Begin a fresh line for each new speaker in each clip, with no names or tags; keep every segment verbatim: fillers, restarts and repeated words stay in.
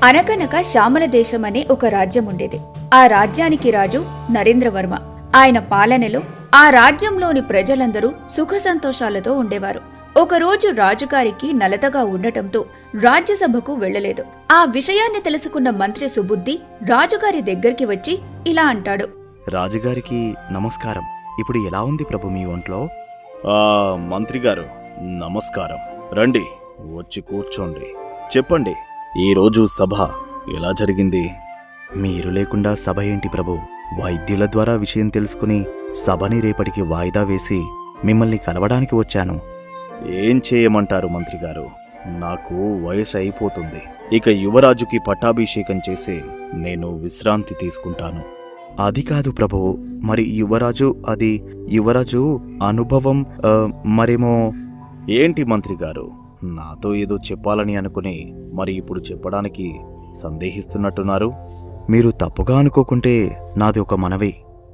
అనగనక శ్యామల దేశం అనే ఒక రాజ్యం ఉండేది. ఆ రాజ్యానికి రాజు నరేంద్రవర్మ. ఆయన పాలనలో ఆ రాజ్యంలోని ప్రజలందరూ సుఖ సంతోషాలతో ఉండేవారు. ఒకరోజు రాజుగారికి నలతగా ఉండటంతో రాజ్యసభకు వెళ్లలేదు. ఆ విషయాన్ని తెలుసుకున్న మంత్రి సుబుద్ధి రాజుగారి దగ్గరికి వచ్చి ఇలా అంటాడు.
రాజుగారికి నమస్కారం. ఇప్పుడు ఎలా ఉంది ప్రభు మీ ఒంట్లో?
ఆ మంత్రిగారు నమస్కారం. రండి, వచ్చి కూర్చోండి. చెప్పండి, ఈరోజు సభ ఎలా జరిగింది?
మీరు లేకుండా సభ ఏంటి ప్రభు? వైద్యుల ద్వారా విషయం తెలుసుకుని సభని రేపటికి వాయిదా వేసి మిమ్మల్ని కలవడానికి వచ్చాను.
ఏం చేయమంటారు మంత్రిగారు? నాకు వయసు అయిపోతుంది. ఇక యువరాజుకి పట్టాభిషేకం చేసి నేను విశ్రాంతి తీసుకుంటాను.
అది కాదు ప్రభు, మరి యువరాజు అది యువరాజు అనుభవం ఆ, మరేమో.
ఏంటి మంత్రిగారు, నాతో ఏదో చెప్పాలని అనుకుని మరి ఇప్పుడు చెప్పడానికి సందేహిస్తున్నట్టున్నారు?
మీరు తప్పుగా అనుకోకుంటే నాది ఒక మనవి.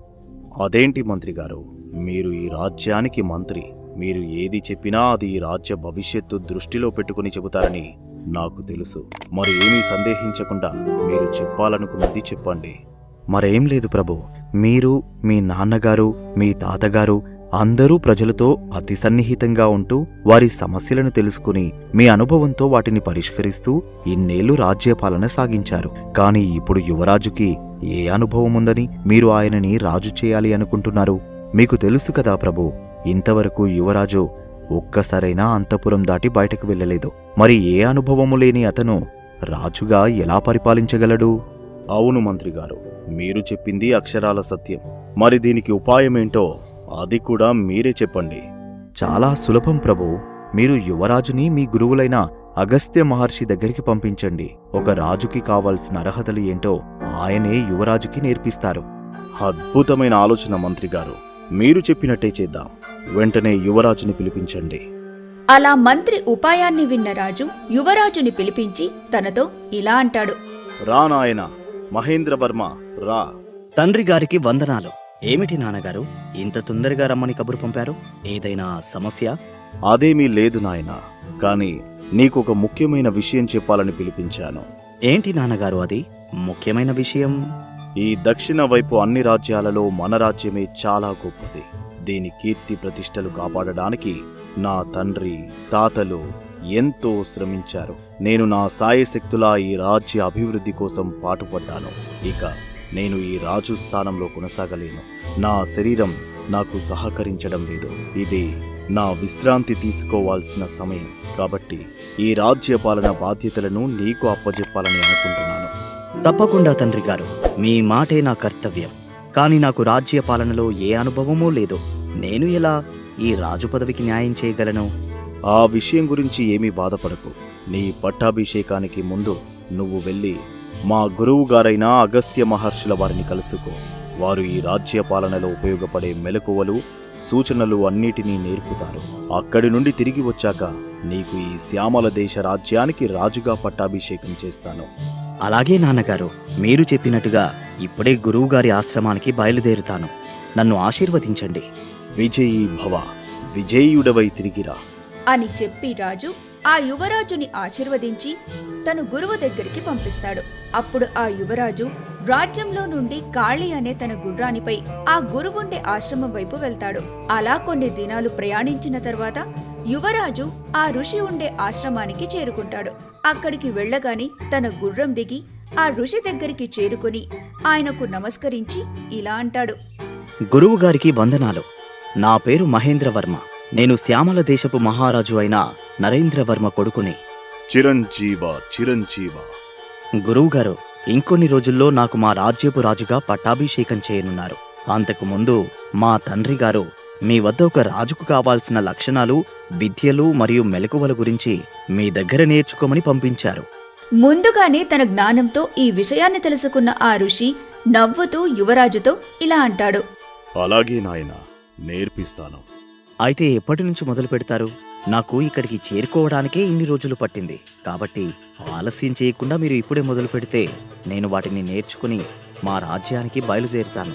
అదేంటి మంత్రిగారు, మీరు ఈ రాజ్యానికి మంత్రి. మీరు ఏది చెప్పినా అది ఈ రాజ్య భవిష్యత్తు దృష్టిలో పెట్టుకుని చెబుతారని నాకు తెలుసు. మరి ఏమీ సందేహించకుండా మీరు చెప్పాలనుకున్నది చెప్పండి.
మరేం లేదు ప్రభు, మీరు మీ నాన్నగారు మీ తాతగారు అందరూ ప్రజలతో అతి సన్నిహితంగా ఉంటూ వారి సమస్యలను తెలుసుకుని మీ అనుభవంతో వాటిని పరిష్కరిస్తూ ఇన్నేళ్లు రాజ్యపాలన సాగించారు. కాని ఇప్పుడు యువరాజుకి ఏ అనుభవం ఉందని మీరు ఆయనని రాజు చేయాలి అనుకుంటున్నారు? మీకు తెలుసు కదా ప్రభు, ఇంతవరకు యువరాజు ఒక్కసారైనా అంతఃపురం దాటి బయటకు వెళ్ళలేదు. మరి ఏ అనుభవము లేని అతను రాజుగా ఎలా పరిపాలించగలడు?
అవును మంత్రిగారు, మీరు చెప్పింది అక్షరాల సత్యం. మరి దీనికి ఉపాయమేంటో అది కూడా మీరే చెప్పండి.
చాలా సులభం ప్రభు. మీరు యువరాజుని మీ గురువులైన అగస్త్య మహర్షి దగ్గరికి పంపించండి. ఒక రాజుకి కావాల్సిన అర్హతలు ఏంటో ఆయనే యువరాజుకి నేర్పిస్తారు.
అద్భుతమైన ఆలోచన మంత్రిగారు, మీరు చెప్పినట్టే చేద్దాం. వెంటనే యువరాజుని పిలిపించండి.
అలా మంత్రి ఉపాయాన్ని విన్న రాజు యువరాజుని పిలిపించి తనతో ఇలా అంటాడు.
రా నాయనా మహేంద్రవర్మ, రా.
తండ్రి గారికి వందనాలు. ఏమిటి నాన్నగారు ఇంత తొందరగా రమ్మని కబురు పంపారు? ఏదైనా సమస్య?
అదేమీ లేదు నాయనా, కాని నీకొక ముఖ్యమైన విషయం చెప్పాలని పిలిపించాను.
ఏంటి నాన్నగారు అది ముఖ్యమైన విషయం?
ఈ దక్షిణ వైపు అన్ని రాజ్యాలలో మన రాజ్యమే చాలా గొప్పది. దీని కీర్తి ప్రతిష్టలు కాపాడడానికి నా తండ్రి తాతలు ఎంతో శ్రమించారు. నేను నా సాయశక్తులా ఈ రాజ్య అభివృద్ధి కోసం పాటుపడ్డాను. ఇక నేను ఈ రాజు స్థానంలో కొనసాగలేను. నా శరీరం నాకు సహకరించడం లేదు. ఇది నా విశ్రాంతి తీసుకోవాల్సిన సమయం. కాబట్టి ఈ రాజ్య పాలన బాధ్యతలను నీకు అప్పజెప్పాలని అనుకుంటున్నాను.
తప్పకుండా తండ్రి గారు, మీ మాటే నా కర్తవ్యం. కాని నాకు రాజ్య పాలనలో ఏ అనుభవమూ లేదు. నేను ఎలా ఈ రాజు పదవికి న్యాయం చేయగలను?
ఆ విషయం గురించి ఏమీ బాధపడకు. నీ పట్టాభిషేకానికి ముందు నువ్వు వెళ్ళి మా గురువు గారైన అగస్త్య మహర్షుల వారిని కలుసుకో. వారు ఈ రాజ్య పాలనలో ఉపయోగపడే మెలకువలు సూచనలు అన్నిటినీ నేర్పుతారు. అక్కడి నుండి తిరిగి వచ్చాక నీకు ఈ శ్యామల దేశ రాజ్యానికి రాజుగా పట్టాభిషేకం చేస్తాను.
అలాగే నాన్నగారు, మీరు చెప్పినట్టుగా ఇప్పుడే గురువుగారి ఆశ్రమానికి బయలుదేరుతాను. నన్ను ఆశీర్వదించండి.
విజయీ భవ, విజయుడవై తిరిగిరా
అని చెప్పి రాజు ఆ యువరాజుని ఆశీర్వదించి తను గురువు దగ్గరికి పంపిస్తాడు. అప్పుడు ఆ యువరాజు రాజ్యంలో నుండి కాళీ అనే తన గుర్రానిపై ఆ గురువుండే ఆశ్రమం వైపు వెళ్తాడు. అలా కొన్ని దినాలు ప్రయాణించిన తర్వాత యువరాజు ఆ ఋషి ఉండే ఆశ్రమానికి చేరుకుంటాడు. అక్కడికి వెళ్ళగాని తన గుర్రం దిగి ఆ ఋషి దగ్గరికి చేరుకుని ఆయనకు నమస్కరించి ఇలా అంటాడు.
గురువుగారికి వందనాలు. నా పేరు మహేంద్రవర్మ. నేను శ్యామల దేశపు మహారాజు అయిన నరేంద్రవర్మ కొడుకుని.
చిరంజీవ చిరంజీవ.
గురువుగారు, ఇంకొన్ని రోజుల్లో నాకు మా రాజ్యపు రాజుగా పట్టాభిషేకం చేయనున్నారు. అంతకు ముందు మా తండ్రి గారు మీ వద్ద ఒక రాజుకు కావాల్సిన లక్షణాలు, విద్యలు మరియు మెలకువల గురించి మీ దగ్గర నేర్చుకోమని పంపించారు.
ముందుగానే తన జ్ఞానంతో ఈ విషయాన్ని తెలుసుకున్న ఆ ఋషి నవ్వుతూ యువరాజుతో ఇలా అంటాడు.
అలాగే నాయనా, నేర్పిస్తాను.
అయితే ఎప్పటి నుంచి మొదలు పెడతారు? నాకు ఇక్కడికి చేరుకోవడానికే ఇన్ని రోజులు పట్టింది. కాబట్టి ఆలస్యం చేయకుండా మీరు ఇప్పుడే మొదలు పెడితే నేను వాటిని నేర్చుకుని మా రాజ్యానికి బయలుదేరుతాను.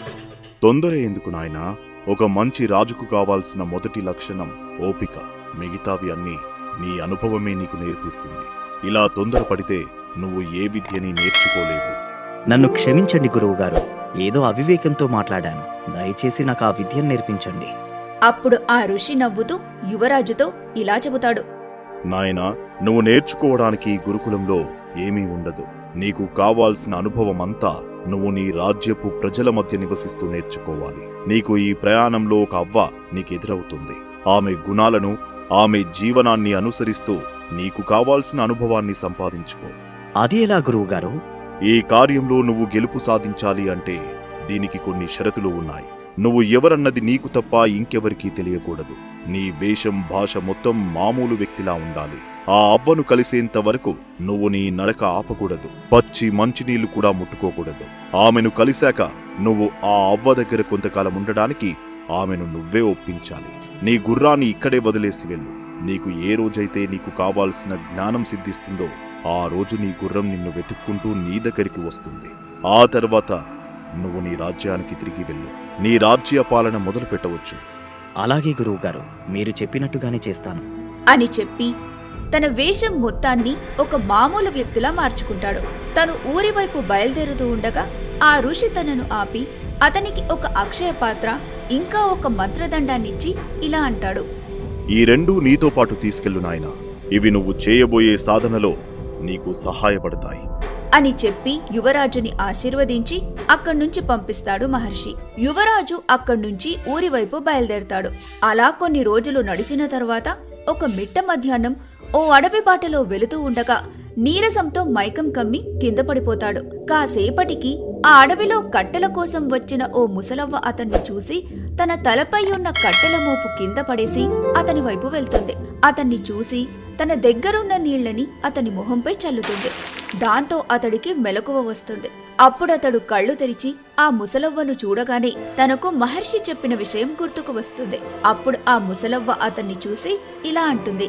తొందర ఎందుకు నాయనా? ఒక మంచి రాజుకు కావాల్సిన మొదటి లక్షణం ఓపిక. మిగతావి అన్నీ నీ అనుభవమే నీకు నేర్పిస్తుంది. ఇలా తొందరపడితే నువ్వు ఏ విద్యని నేర్చుకోలేవు.
నన్ను క్షమించండి గురువుగారు, ఏదో అవివేకంతో మాట్లాడాను. దయచేసి నాకు ఆ విద్యను నేర్పించండి.
అప్పుడు ఆ ఋషి నవ్వుతూ యువరాజుతో ఇలా చెబుతాడు.
నాయనా, నువ్వు నేర్చుకోవడానికి ఈ గురుకులంలో ఏమీ ఉండదు. నీకు కావాల్సిన అనుభవమంతా నువ్వు నీ రాజ్యపు ప్రజల మధ్య నివసిస్తూ నేర్చుకోవాలి. నీకు ఈ ప్రయాణంలో ఒక అవ్వ నీకెదురవుతుంది. ఆమె గుణాలను, ఆమె జీవనాన్ని అనుసరిస్తూ నీకు కావాల్సిన అనుభవాన్ని సంపాదించుకో.
అది ఎలా గురువుగారు?
ఈ కార్యంలో నువ్వు గెలుపు సాధించాలి అంటే దీనికి కొన్ని షరతులు ఉన్నాయి. నువ్వు ఎవరన్నది నీకు తప్ప ఇంకెవరికీ తెలియకూడదు. నీ వేషం, భాష మొత్తం మామూలు వ్యక్తిలా ఉండాలి. ఆ అవ్వను కలిసేంత వరకు నువ్వు నీ నడక ఆపకూడదు. పచ్చి మంచినీళ్లు కూడా ముట్టుకోకూడదు. ఆమెను కలిశాక నువ్వు ఆ అవ్వ దగ్గర కొంతకాలం ఉండడానికి ఆమెను నువ్వే ఒప్పించాలి. నీ గుర్రాన్ని ఇక్కడే వదిలేసి వెళ్ళు. నీకు ఏ రోజైతే నీకు కావాల్సిన జ్ఞానం సిద్ధిస్తుందో ఆ రోజు నీ గుర్రం నిన్ను వెతుక్కుంటూ నీ దగ్గరికి వస్తుంది. ఆ తర్వాత నువ్వు నీ రాజ్యానికి తిరిగి వెళ్ళు. నీ రాజ్య పాలన మొదలు పెట్టవచ్చు.
అలాగే గురువుగారు, మీరు చెప్పినట్టుగానే చేస్తాను
అని చెప్పి తన వేషం మొత్తాన్ని ఒక మామూలు వ్యక్తిలా మార్చుకుంటాడు. తను ఊరివైపు బయలుదేరుతూ ఉండగా ఆ ఋషి తనను ఆపి అతనికి ఒక అక్షయ పాత్ర ఇంకా ఒక మంత్రదండాన్నిచ్చి ఇలా అంటాడు.
ఈ రెండూ నీతో పాటు తీసుకెళ్ళు నాయనా. ఇవి నువ్వు చేయబోయే సాధనలో నీకు సహాయపడతాయి
అని చెప్పి యువరాజుని ఆశీర్వదించి అక్కడ్నుంచి పంపిస్తాడు మహర్షి. యువరాజు అక్కడ్నుంచి ఊరివైపు బయలుదేరతాడు. అలా కొన్ని రోజులు నడిచిన తర్వాత ఒక మిట్ట మధ్యాహ్నం ఓ అడవి బాటలో వెళుతూ ఉండగా నీరసంతో మైకం కమ్మి కింద పడిపోతాడు. కాసేపటికి ఆ అడవిలో కట్టెల కోసం వచ్చిన ఓ ముసలవ్వ అతన్ని చూసి తన తలపై ఉన్న కట్టెల మోపు కింద పడేసి అతని వైపు వెళ్తుంది. అతన్ని చూసి తన దగ్గరున్న నీళ్లని అతని మొహంపై చల్లుతుంది. దాంతో అతడికి మెలకువ వస్తుంది. అప్పుడతడు కళ్ళు తెరిచి ఆ ముసలవ్వను చూడగానే తనకు మహర్షి చెప్పిన విషయం గుర్తుకు వస్తుంది. అప్పుడు ఆ ముసలవ్వ అతన్ని చూసి ఇలా అంటుంది.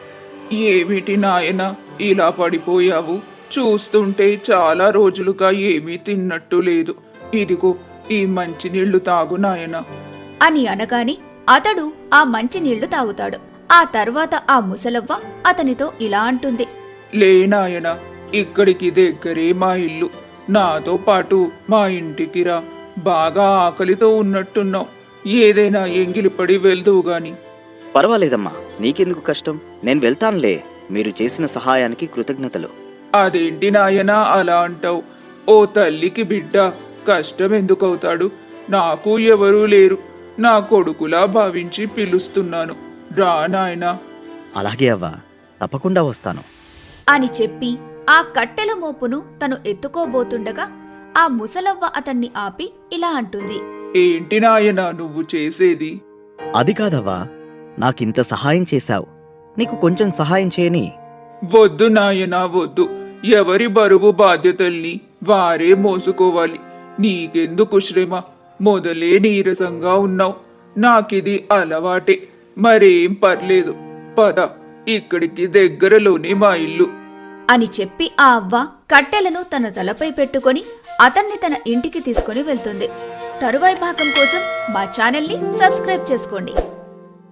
ఏమిటి నాయనా, ఇలా పడిపోయావు? చూస్తుంటే చాలా రోజులుగా ఏమీ తిన్నట్టు లేదు. ఇదిగో ఈ మంచినీళ్లు తాగు నాయనా
అని అనగానే అతడు ఆ మంచినీళ్లు తాగుతాడు. ఆ తర్వాత ఆ ముసలవ్వ అతనితో ఇలా అంటుంది.
లే నాయనా, ఇక్కడికి దగ్గరే మా ఇల్లు. నాతో పాటు మా ఇంటికి రా. బాగా ఆకలితో ఉన్నట్టున్నావు. ఏదైనా ఎంగిలిపడి వెళ్దువు గాని.
పర్వాలేదమ్మా, నీకెందుకు కష్టం? నేను వెళ్తానులే. మీరు చేసిన సహాయానికి కృతజ్ఞతలు.
అదేంటి నాయనా అలా అంటావు? ఓ తల్లికి బిడ్డ కష్టం ఎందుకవుతాడు? నాకు ఎవరూ లేరు. నా కొడుకులా భావించి పిలుస్తున్నాను. రా నాయనా.
అలాగే అవ్వా, తప్పకుండా వస్తాను
అని చెప్పి ఆ కట్టెల మోపును తను ఎత్తుకోబోతుండగా ఆ ముసలవ్వ అతన్ని ఆపి ఇలా అంటుంది.
ఏంటి నాయనా నువ్వు చేసేది?
అది కాదవ్వా, నాకింత సహాయం చేశావు, నీకు కొంచెం సహాయం చేయని.
వద్దు నాయనా వద్దు. ఎవరి బరువు బాధ్యతల్ని వారే మోసుకోవాలి. నీకెందుకు శ్రమ? మొదలే నీరసంగా ఉన్నావు. నాకిది అలవాటే. మరేం పర్లేదు. పద, ఇక్కడికి దగ్గరలోనే మా ఇల్లు
అని చెప్పి ఆ అవ్వ కట్టెలను తన తలపై పెట్టుకొని అతన్ని తన ఇంటికి తీసుకుని వెళ్తుంది. తరువాయి భాగం కోసం మా ఛానల్ని సబ్స్క్రైబ్ చేసుకోండి.